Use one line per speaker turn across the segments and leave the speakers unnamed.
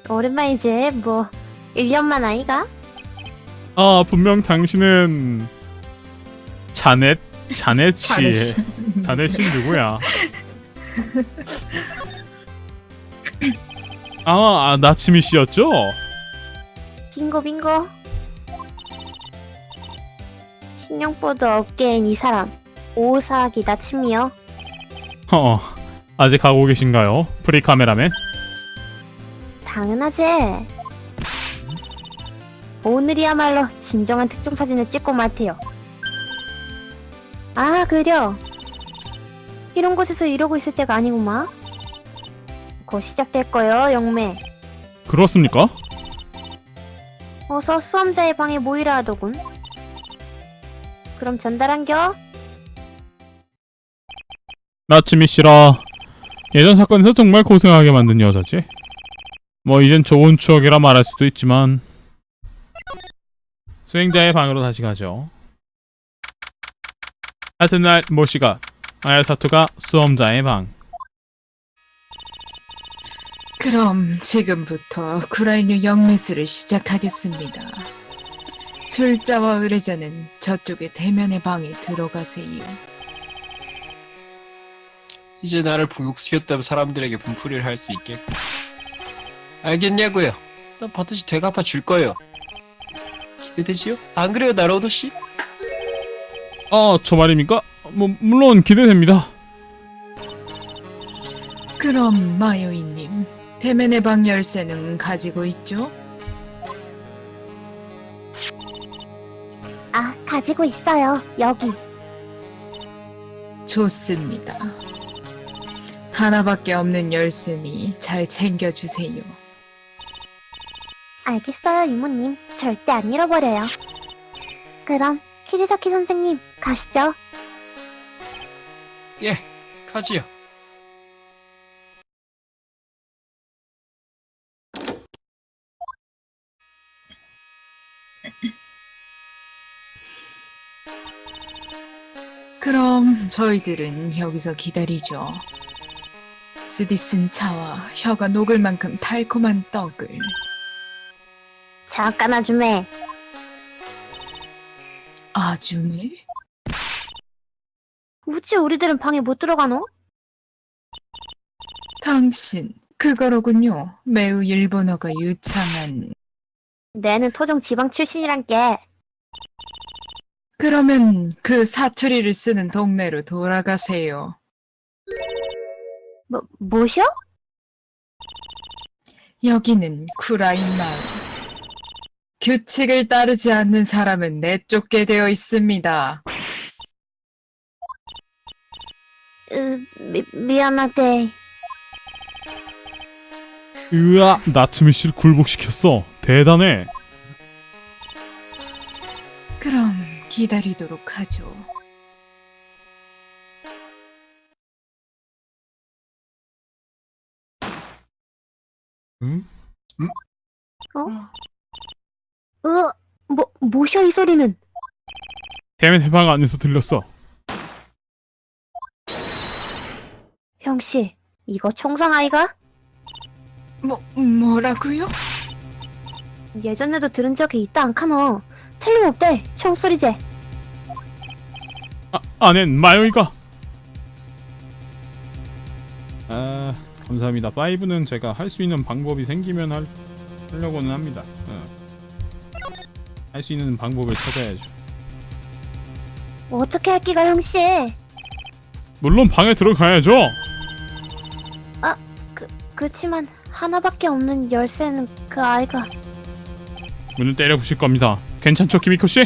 오랜만이지. 뭐 1년만 아이가?
아, 분명 당신은 자넷
자넷
자넷씨
씨.
자넷씨 누구야? 나츠미 씨였죠?
빙고 빙고. 신용보드 업계인 이 사람 오사기 나츠미요.
아직 가고 계신가요? 프리카메라맨?
당연하지. 오늘이야말로 진정한 특종 사진을 찍고 말테요. 아 그려. 이런 곳에서 이러고 있을 때가 아니구만. 곧 시작될 거요 영매.
그렇습니까?
어서 수험자의 방에 모이라 하더군. 그럼 전달한겨?
나츠미 씨라 예전 사건에서 정말 고생하게 만든 여자지. 뭐 이젠 좋은 추억이라 말할 수도 있지만 수행자의 방으로 다시 가죠. 같은 날 모시가 아야사토가 수험자의 방.
그럼 지금부터 구라인류 영매술을 시작하겠습니다. 술자와 의뢰자는 저쪽의 대면의 방에 들어가세요.
이제 나를 부육시켰다면 사람들에게 분풀이를 할 수 있겠고. 알겠냐고요? 난 반드시 되갚아 줄 거예요. 기대되지요? 안 그래요, 나로도 씨?
저 말입니까? 물론 기대됩니다.
그럼 마요이님, 대면의 방 열쇠는 가지고 있죠?
아 가지고 있어요. 여기.
좋습니다. 하나밖에 없는 열쇠니 잘 챙겨주세요.
알겠어요 이모님. 절대 안 잃어버려요. 그럼 키리사키 선생님 가시죠.
예, 가지요.
그럼 저희들은 여기서 기다리죠. 쓰디 쓴 차와 혀가 녹을 만큼 달콤한 떡을.
잠깐 아줌매.
아주매?
우찌 우리들은 방에 못 들어가노?
당신, 그거로군요. 매우 일본어가 유창한.
내는 토종 지방 출신이란 게.
그러면 그 사투리를 쓰는 동네로 돌아가세요.
뭐셔?
여기는 쿠라인 마을. 규칙을 따르지 않는 사람은 내쫓게 되어 있습니다.
미안하대.
으아, 나츠미 씨를 굴복시켰어. 대단해.
그럼 기다리도록 하죠.
응?
뭐셔 이 소리는?
대면 해방 안에서 들렸어.
형씨, 이거 총상 아이가?
뭐라고요?
예전에도 들은 적이 있다 않카노. 틀림없대, 총소리제.
아넨 마요이가. 감사합니다. 5는 제가 할 수 있는 방법이 생기면 하려고는 합니다. 할 수 있는 방법을 찾아야죠.
어떻게 할기가 형씨?
물론 방에 들어가야죠.
그렇지만 하나밖에 없는 열쇠는 그 아이가.
문을 때려 부실 겁니다. 괜찮죠, 키미코 씨?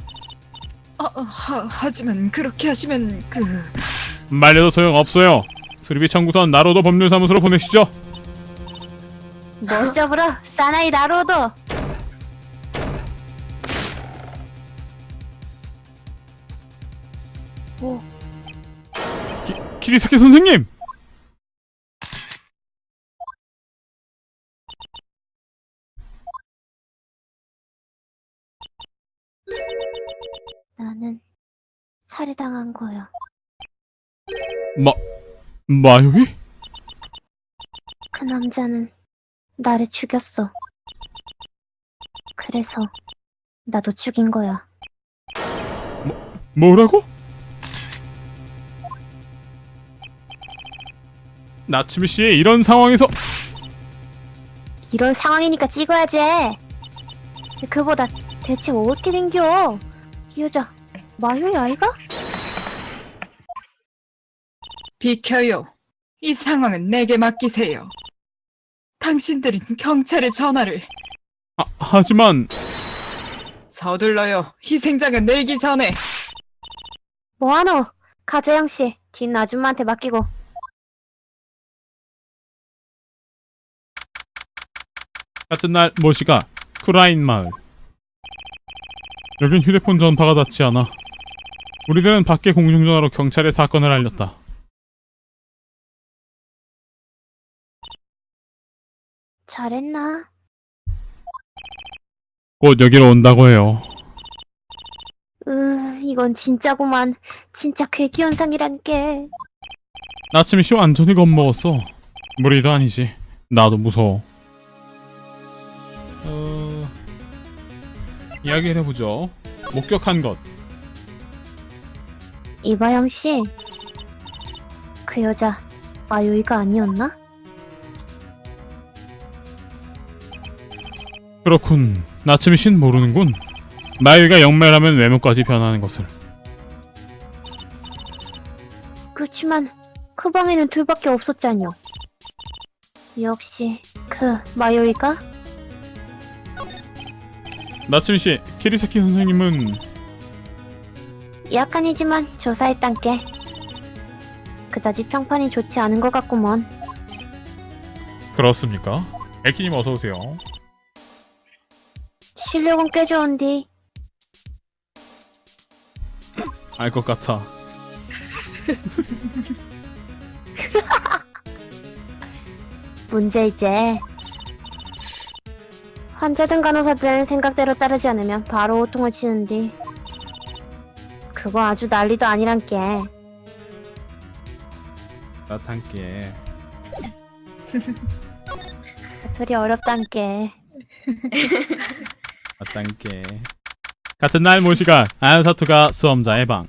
하지만 그렇게 하시면
말려도 소용 없어요. 수리비 청구선 나로도 법률사무소로 보내시죠.
멋져보러 사나이 나로도.
키리사키 선생님.
나는 살해당한 거야.
마요이?
그 남자는 나를 죽였어. 그래서 나도 죽인 거야.
뭐라고? 나츠미 씨, 이런 상황에서
이런 상황이니까 찍어야지. 그보다 대체 어떻게 된겨? 이 여자 마요이 아이가?
비켜요. 이 상황은 내게 맡기세요. 당신들은 경찰에 전화를.
하지만
서둘러요. 희생자가 늘기 전에.
뭐하노? 가재영 씨, 뒷 아줌마한테 맡기고.
같은 날 모시가 쿠라인 마을. 여긴 휴대폰 전파가 닿지 않아. 우리들은 밖에 공중전화로 경찰에 사건을 알렸다.
잘했나?
곧 여기로 온다고 해요.
이건 진짜구만. 진짜 괴기현상이란 게.
나츠미 씨 완전히 겁먹었어. 무리도 아니지. 나도 무서워. 이야기를 해보죠. 목격한 것.
이바영 씨, 그 여자 마요이가 아니었나?
그렇군. 나츠미 씨는 모르는군. 마유이가 영매라면 외모까지 변하는 것을.
그렇지만 그 방에는 둘밖에 없었잖여. 역시 그 마요이가?
나츠미 씨, 키리사키 선생님은
약간이지만 조사했단께. 그다지 평판이 좋지 않은 것 같구먼.
그렇습니까? 에키님 어서 오세요.
실력은 꽤 좋은디.
알 것 같아.
문제 이제 환자든 간호사든 생각대로 따르지 않으면 바로 호통을 치는디. 그거 아주 난리도 아니란께.
나탄께.
둘이 어렵단께.
나탄께. 같은 날 모시가 아야사토가 수험자의 방.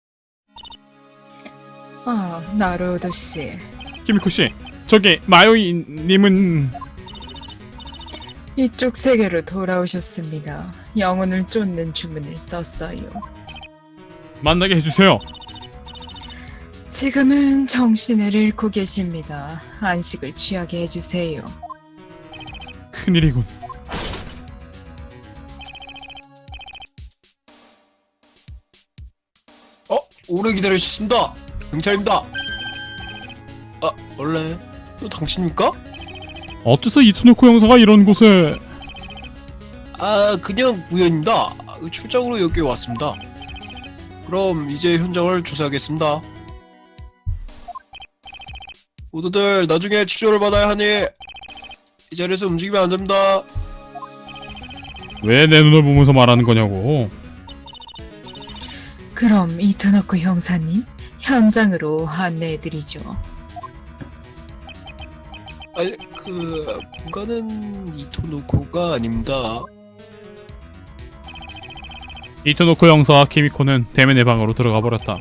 나루오도 씨.
키미코 씨, 저기 마요이님은
이쪽 세계로 돌아오셨습니다. 영혼을 쫓는 주문을 썼어요.
만나게 해주세요.
지금은 정신을 잃고 계십니다. 안식을 취하게 해주세요.
큰일이군.
오래 기다리셨습니다. 경찰입니다. 원래 또 당신입니까?
어째서 이토노코 형사가 이런 곳에...
그냥 우연입니다. 출장으로 여기 왔습니다. 그럼 이제 현장을 조사하겠습니다. 모두들 나중에 치료를 받아야 하니 이 자리에서 움직이면 안 됩니다.
왜 내 눈을 보면서 말하는 거냐고.
그럼 이토노코 형사님, 현장으로 안내해드리죠.
아니, 본가는 이토노코가 아닙니다.
이토노코 형사와 키미코는 대면의 방으로 들어가 버렸다.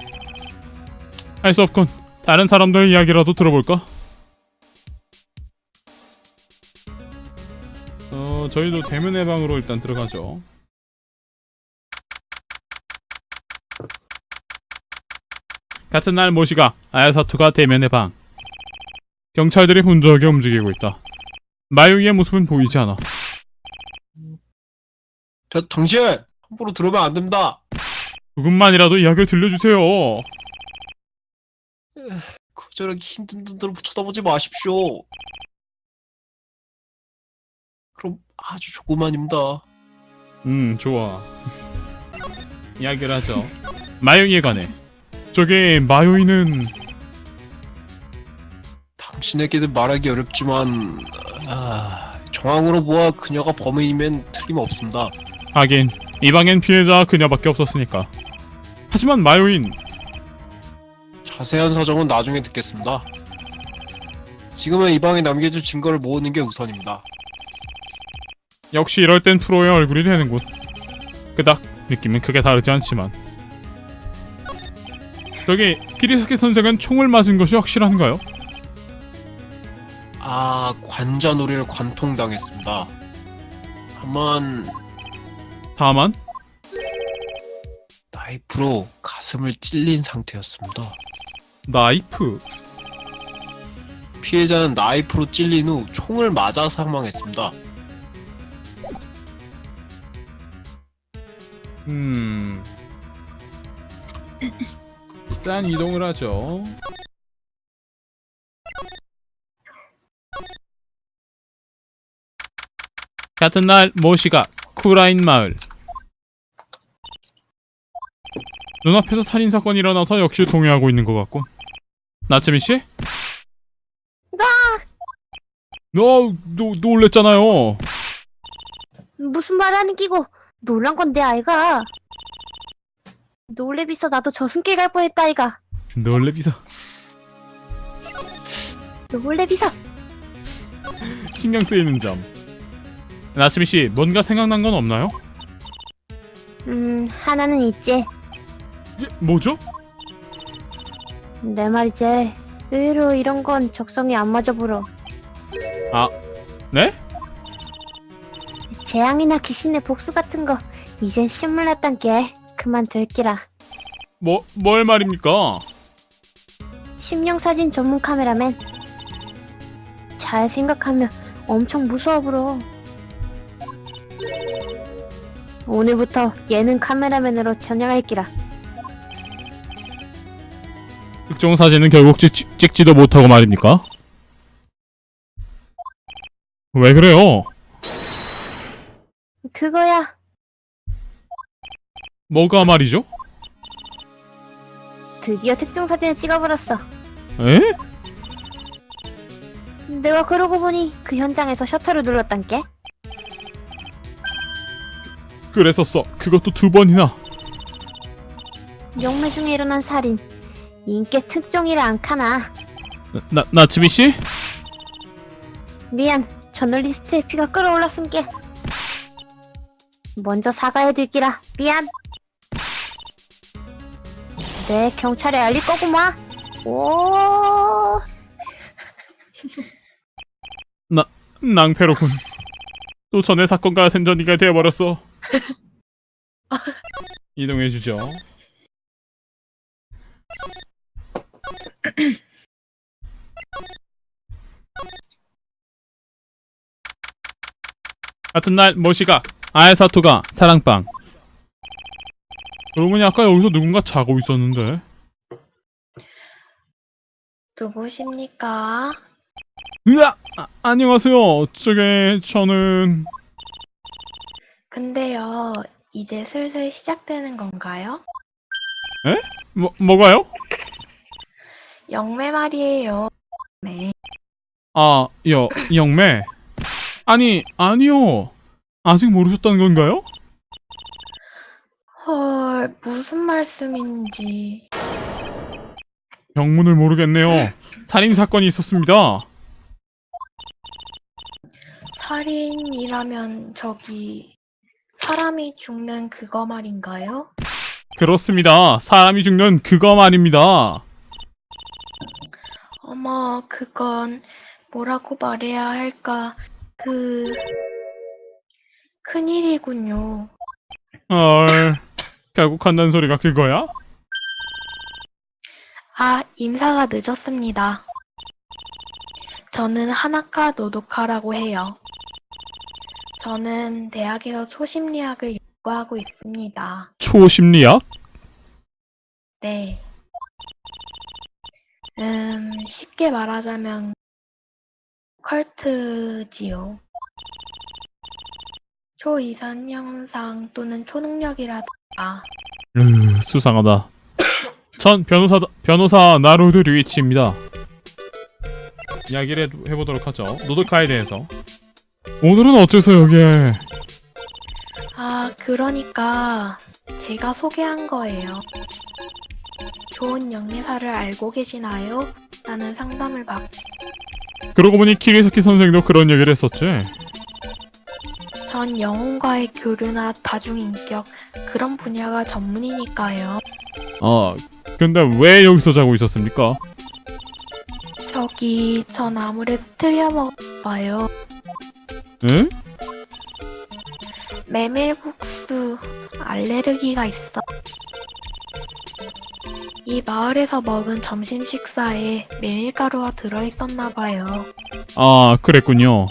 할 수 없군. 다른 사람들 이야기라도 들어볼까? 저희도 대면의 방으로 일단 들어가죠. 같은 날 모시가 아야사토가 대면의 방. 경찰들이 분주하게 움직이고 있다. 마유이의 모습은 보이지 않아.
당신 함부로 들어오면 안 됩니다.
조금만이라도 이야기를 들려주세요.
저렇게 힘든 눈으로 쳐다보지 마십시오. 그럼 아주 조그만입니다.
좋아. 이야기를 하죠. 마요이에 관해. 저기 마요이는
당신에게는 말하기 어렵지만 정황으로 보아 그녀가 범인이면 틀림없습니다.
하긴 이 방엔 피해자가 그녀밖에 없었으니까. 하지만 마요인
자세한 사정은 나중에 듣겠습니다. 지금은 이 방에 남겨줄 증거를 모으는 게 우선입니다.
역시 이럴 땐 프로의 얼굴이 되는군. 그닥 느낌은 크게 다르지 않지만. 저기 키리사키 선생은 총을 맞은 것이 확실한가요?
아, 관자놀이를 관통당했습니다. 다만 나이프로 가슴을 찔린 상태였습니다.
나이프.
피해자는 나이프로 찔린 후 총을 맞아 사망했습니다.
일단 이동을 하죠. 같은 날 모시가 쿠라인 마을. 눈앞에서 살인사건이 일어나서 역시 동요하고 있는 것 같군. 나츠미씨? 너 놀랬잖아요.
무슨 말 하는 끼고 놀란 건데 아이가. 놀래비서 나도 저승길 갈 뻔했다 아이가.
놀래비서.
놀래비서.
신경 쓰이는 점. 나츠미씨, 뭔가 생각난 건 없나요?
하나는 있지.
예, 뭐죠?
내 말이지. 의외로 이런 건 적성이 안 맞아 보러.
아, 네?
재앙이나 귀신의 복수 같은 거 이젠 신물 났단 게 그만둘 기라.
뭘 말입니까?
심령사진 전문 카메라맨. 잘 생각하면 엄청 무서워 보러. 오늘부터 예능 카메라맨으로 전향할 기라.
특종 사진은 결국 찍지도 못하고 말입니까? 왜 그래요?
그거야.
뭐가 말이죠?
드디어 특종 사진을 찍어버렸어.
에?
내가 그러고 보니 그 현장에서 셔터를 눌렀단 게.
그랬었어. 그것도 2번이나.
영매 중에 일어난 살인. 인께 특종이라 안 카나.
나츠미씨?
미안. 저널리스트의 피가 끓어올랐은 게. 먼저 사과해둘기라. 미안. 내 경찰에 알릴 거구마. 오.
낭패로군. 또 전에 사건과 같은 전이가 되어버렸어. 이동해주죠. 같은 날 모시가 아야사토가 사랑방. 그러고 보니 아까 여기서 누군가 자고 있었는데.
누구십니까?
으아! 안녕하세요. 저는
근데요, 이제 슬슬 시작되는 건가요?
뭐가요?
영매 말이에요. 네.
아, 영매. 아니요. 아직 모르셨다는 건가요?
헐, 무슨 말씀인지.
병문을 모르겠네요. 살인사건이 있었습니다.
살인이라면 저기 사람이 죽는 그거 말인가요?
그렇습니다. 사람이 죽는 그거 말입니다.
어머, 그건 뭐라고 말해야 할까? 큰일이군요.
헐, 결국 한다는 소리가 그거야?
아, 인사가 늦었습니다. 저는 하나카 노도카라고 해요. 저는 대학에서 초심리학을 연구하고 있습니다.
초심리학?
네. 쉽게 말하자면 컬트지요. 초이상 현상 또는 초능력이라든가.
수상하다. 전 변호사 나루드 류이치입니다. 이야기를 해보도록 하죠. 노드카에 대해서. 오늘은 어째서 여기에?
아, 그러니까 제가 소개한 거예요. 좋은 영예사를 알고 계시나요? 라는 상담을 받고
그러고 보니 키리사키 선생도 그런 얘기를 했었지.
전 영혼과의 교류나 다중인격 그런 분야가 전문이니까요.
아, 근데 왜 여기서 자고 있었습니까?
전 아무래도 틀려먹어봐요.
응?
메밀국수 알레르기가 있어. 이 마을에서 먹은 점심 식사에 메밀가루가 들어있었나봐요.
아, 그랬군요.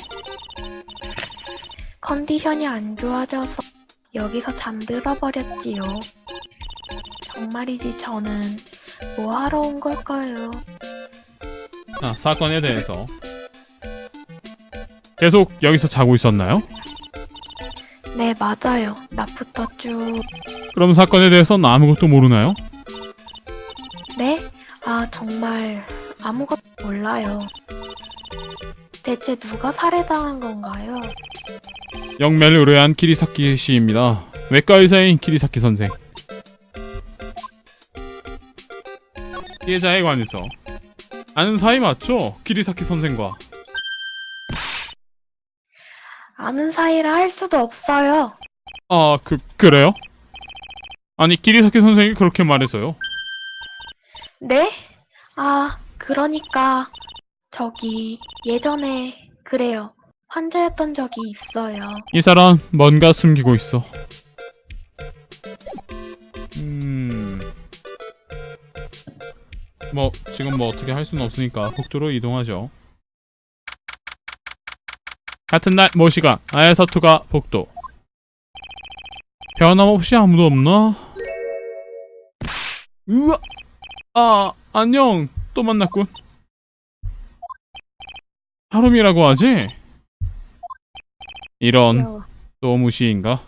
컨디션이 안 좋아져서 여기서 잠들어 버렸지요. 정말이지 저는 뭐 하러 온 걸까요?
아, 사건에 대해서 계속 여기서 자고 있었나요?
네, 맞아요. 낮부터 쭉.
그럼 사건에 대해서는 아무것도 모르나요?
네? 아, 정말 아무것도 몰라요. 대체 누가 살해당한 건가요?
영매를 의뢰한 키리사키 씨입니다. 외과 의사인 키리사키 선생. 피해자에 관해서 아는 사이 맞죠? 키리사키 선생과.
아는 사이라 할 수도 없어요.
아, 그래요? 아니, 키리사키 선생이 그렇게 말해서요.
네? 아, 그러니까 예전에 그래요. 환자였던 적이 있어요.
이 사람 뭔가 숨기고 있어. 지금 어떻게 할 수는 없으니까 복도로 이동하죠. 같은 날 모시가 아야사토가 복도. 변함없이 아무도 없나? 으아! 아, 안녕. 또 만났군. 하루미라고 하지? 이런,
귀여워.
또 무시인가?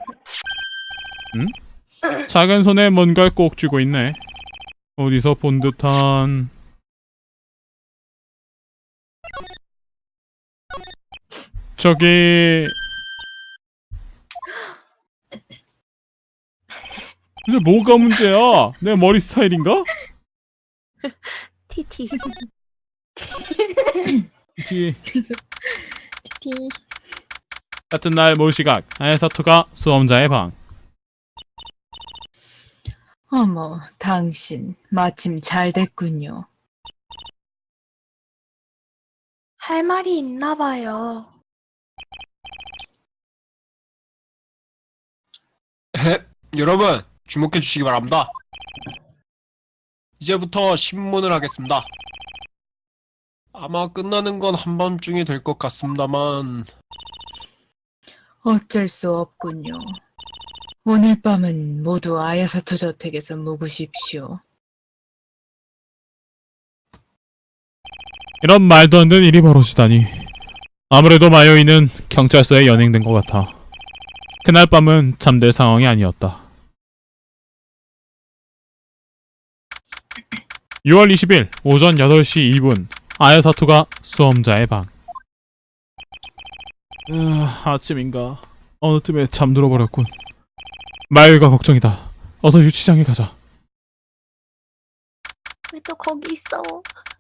응? 작은 손에 뭔가를 꼭 쥐고 있네. 어디서 본 듯한... 저기... 근데 뭐가 문제야? 내 머리 스타일인가?
티티.
티...
티.
같은 날 모시각 아야사토가 수험자의 방.
어머, 당신 마침 잘 됐군요.
할 말이 있나 봐요.
여러분, 주목해 주시기 바랍니다. 이제부터 신문을 하겠습니다. 아마 끝나는 건 한밤중이 될 것 같습니다만
어쩔 수 없군요. 오늘 밤은 모두 아야사토 저택에서 묵으십시오.
이런 말도 안 되는 일이 벌어지다니. 아무래도 마요이는 경찰서에 연행된 것 같아. 그날 밤은 잠들 상황이 아니었다. 6월 20일 오전 8시 2분 아야사토가 수험자의 방. 아침인가. 어느 틈에 잠들어 버렸군. 마요이가 걱정이다. 어서 유치장에 가자.
왜 또 거기 있어?